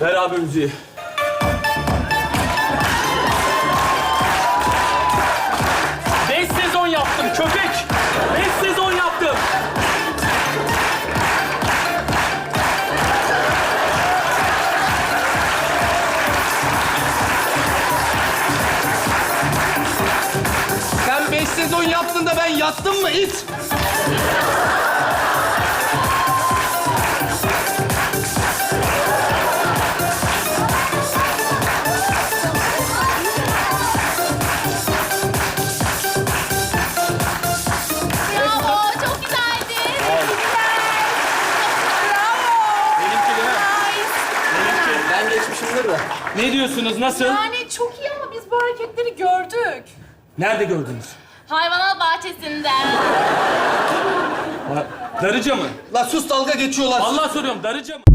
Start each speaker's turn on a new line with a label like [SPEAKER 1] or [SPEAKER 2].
[SPEAKER 1] Ver abi müziği. Beş sezon yaptım köpek. 5 sezon yaptım.
[SPEAKER 2] Sen 5 sezon yaptın da ben yattım mı it?
[SPEAKER 3] Bravo, çok güzeldi.
[SPEAKER 1] Benimki değil mi? Benimki.
[SPEAKER 2] Ben geçmişimdir de.
[SPEAKER 1] Ne diyorsunuz? Nasıl?
[SPEAKER 3] Yani çok iyi ama biz bu hareketleri gördük.
[SPEAKER 1] Nerede gördünüz?
[SPEAKER 3] Hayvanat bahçesinde.
[SPEAKER 1] Darıca mı?
[SPEAKER 2] La sus dalga geçiyorlar.
[SPEAKER 1] Vallahi soruyorum, Darıca mı?